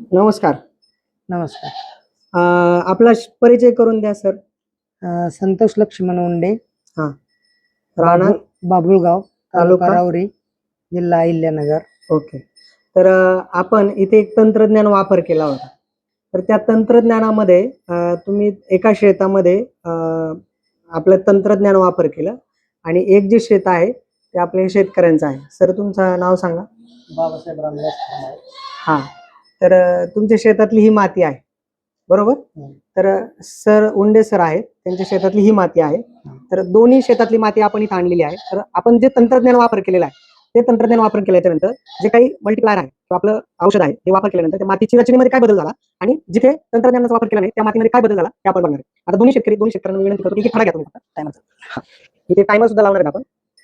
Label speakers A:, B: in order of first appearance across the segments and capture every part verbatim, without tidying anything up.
A: नमस्कार.
B: नमस्कार.
A: अ, आपला श- परिचय करून द्या सर.
B: अ, संतोष लक्ष्मण उंडे,
A: हा. राणा.
B: बाबुळ बाबुळगाव, तालुका
A: तालुका?
B: राहुरी, जिल्हा अहिल्यानगर.
A: ओके. तर अ, आपण इथे एक तंत्रज्ञान वापर केला होता. तर त्या तंत्रज्ञानामध्ये अ, तुम्ही एका शेतामध्ये अ, आपलं तंत्रज्ञान वापर केलं आणि एक जे शेत आहे ते आपल्या शेतकऱ्यांचं आहे. सर तुमचं नाव सांगा.
B: बाबासाहेब रामदास खंडाळे.
A: हा. तर अ, तुमच्या शेतातली ही माती आहे, बरोबर?
B: हं.
A: तर अ, सर उंडे सर आहेत, त्यांच्या शेतातली ही माती आहे. तर दोन्ही शेतातली माती आपण इथं आणलेली आहे. तर आपण जे तंत्रज्ञान वापर केलेलं आहे ते तंत्रज्ञान वापर केल्याच्या नंतर जे काही मल्टीप्लायर आहे किंवा आपलं औषध आहे ते वापर केल्यानंतर त्या मातीची रचनेमध्ये काय बदल झाला आणि जिथे तंत्रज्ञानाचा वापर केला नाही त्या मातीमध्ये काय बदल झाला हे आपण बघणार आहे. आता दोन्ही शेतकरी दोन्ही शेतकऱ्यांना विनंती करतो की खडा घ्या तुम्ही टायमरचा. इथे टायमर सुद्धा लावणार आहेत आपण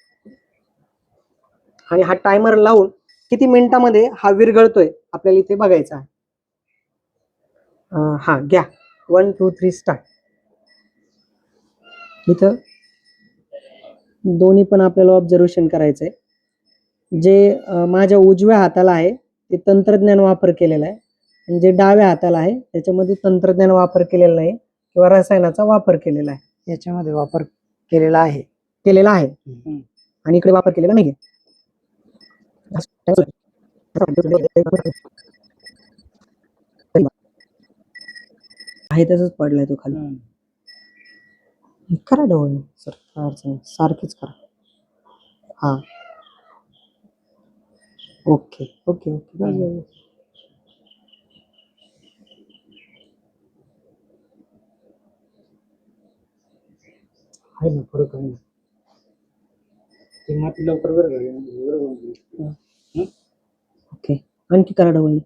A: आणि हा टायमर लावून किती मिनिटामध्ये हा विरघळतोय आपल्याला इथे बघायचा आहे. अं, हा घ्या. One two three start. इथं दोन्ही पण आपल्याला ऑब्झर्वेशन करायचंय. जे अं, माझ्या उजव्या हाताला आहे ते तंत्रज्ञान वापर केलेलं आहे आणि जे डाव्या हाताला आहे त्याच्यामध्ये तंत्रज्ञान वापर केलेला नाही किंवा रसायनाचा वापर केलेला आहे.
B: याच्यामध्ये वापर केलेला आहे.
A: केलेला आहे आणि इकडे वापर केलेला नाहीये. आहे तसंच पडलाय तो खाली. करा डवळ सर, काय अडचण नाही. सारखीच करा. हा. Okay okay okay. बस, बस, बस. आहे ना फरक आहे ना.
B: ती माती लवकर विरघळली.
A: ओके. आणखी करा डवळ.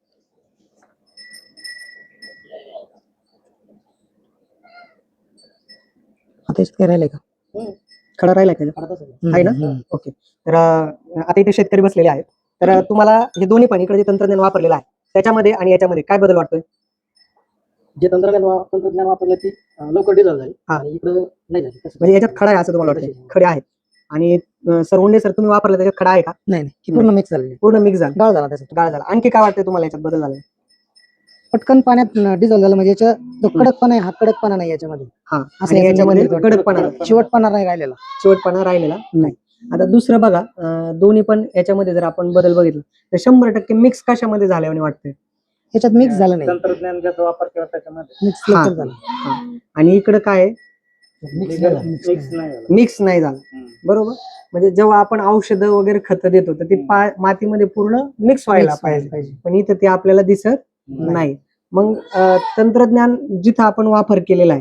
A: आता याच्यात काय राहिलंय का? खडा राहिलाय का याच्यात? आहे ना. ओके. तर अं, आता इथे शेतकरी बसलेले आहेत. तर अं, तुम्हाला हे दोन्ही पण इकडे जे तंत्रज्ञान वापरलेलं आहे त्याच्यामध्ये आणि याच्यामध्ये काय बदल वाटतोय?
B: जे तंत्रज्ञान वा- तंत्रज्ञान वापरलं ती अ, लवकर डिझॉल्व झाली
A: हा.
B: आणि इकडं नाही झाली.
A: म्हणजे याच्यात खडा आहे असं तुम्हाला वाटतं? खडे आहेत आणि अं, सर उंडे सर तुम्ही वापरलं त्याच्यात खडा आहे का?
B: नाही नाही पूर्ण मिक्स झाली.
A: पूर्ण मिक्स झाला.
B: गाळ झाला त्याचा.
A: गाळ झाला. आणखी काय वाटतंय तुम्हाला याच्यात बदल झाला?
B: पटकन पाण्यात डिझॉल्व झालं म्हणजे याच्या जो कडकपणा आहे हा कडकपणा नाही याच्यामध्ये.
A: हा.
B: असं
A: आणि याच्यामध्ये
B: याच्यामध्ये
A: कडकपणा
B: चिवटपणा नाही राहिलेला.
A: शेवटपणा राहिलेला नाही. आता दुसरं बघा, अं, दोन्ही पण याच्यामध्ये जर आपण बदल बघितला तर शंभर टक्के मिक्स कशामध्ये झाल्याने वाटतंय?
B: याच्यात मिक्स झालं नाही.
C: तंत्रज्ञान ज्याचा वापर केला त्याच्यामध्ये
B: मिक्स
A: हा.
B: लवकर झालं.
A: हा. आणि इकडं काय आहे?
B: मिक्स नाही झालं.
C: मिक्स नाही झाला.
A: मिक्स नाही झालं. बरोबर. म्हणजे जेव्हा आपण औषधं वगैरे खतं देतो तर ती पा- मातीमध्ये पूर्ण मिक्स व्हायला
B: Mix व्हायला
A: पाहिजे, पण इथं ते आपल्याला दिसत नाही. मग अं, तंत्रज्ञान जिथं आपण वापर केलेला आहे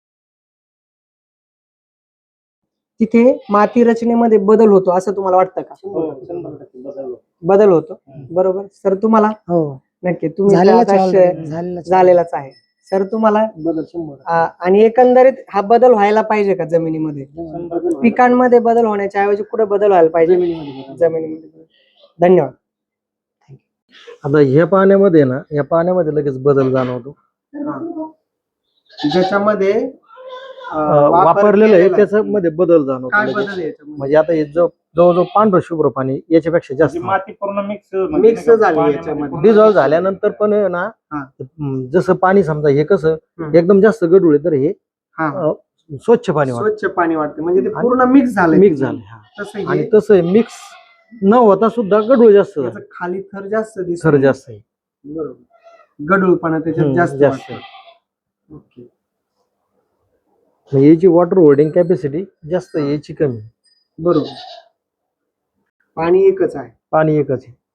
A: तिथे माती रचनेमध्ये बदल होतो असं तुम्हाला वाटतं का?
C: हो, शंभर टक्के बदल होतो.
A: बदल होतो. बरोबर. सर तुम्हाला?
B: हो.
A: नक्की. तुम्ही तर
B: झालेलाच
A: आता
B: आहे
A: शे-
B: already. झालेलाच आहे.
A: झालेलाच आहे. सर तुम्हाला?
C: बदल शंभर टक्के.
A: आ, आणि एकंदरीत हा बदल व्हायला पाहिजे का जमिनीमध्ये?
C: शंभर टक्के.
A: पिकांमध्ये बदल होण्याच्या ऐवजी कुठे बदल व्हायला पाहिजे?
C: जमिनीमध्ये बदल.
A: जमिनीमध्ये बदल. धन्यवाद.
D: आता ह्या पाण्यामध्ये ना या पाण्यामध्ये लगेच बदल जाणवतो.
A: ज्याच्यामध्ये
D: अं, वापरलेलं आहे त्याच्यामध्ये बदल जाणवतो
A: काय
D: लगेच.
A: बदल आहे याच्यामध्ये?
D: म्हणजे आता हे जो जवळजवळ पांढरं शुभ्र पाणी याच्यापेक्षा जास्त
C: म्हणजे माती पूर्ण मिक्स
A: Mix झाली याच्यामध्ये.
D: डिझॉल्व झाल्यानंतर पण आहे ना
A: हा.
D: हम्म, जसं पाणी समजा हे कसं
A: हम्म.
D: एकदम जास्त गढूळ आहे तर हे
A: हा.
D: अं, स्वच्छ पाणी वाटतं.
A: स्वच्छ पाणी वाटते म्हणजे ते
D: आणि
A: पूर्ण मिक्स झालं.
D: मिक्स झालं हा.
A: तसं
D: आणि
A: हे
D: तसं मिक्स न होता सुद्धा गढूळ जास्त
A: याचं
D: झालं.
A: खाली थर जास्त दिसतो.
D: थर जास्त आहे.
A: बरोबर. गढूळपणा त्याच्यात
D: हम्म,
A: जास्त
D: जास्त
A: वाटतो. ओके.
D: म्हणजे याची वॉटर होल्डिंग कॅपॅसिटी जास्त आहे, याची कमी आहे.
A: बरोबर. पाणी एकच आहे.
D: पाणी एकच आहे.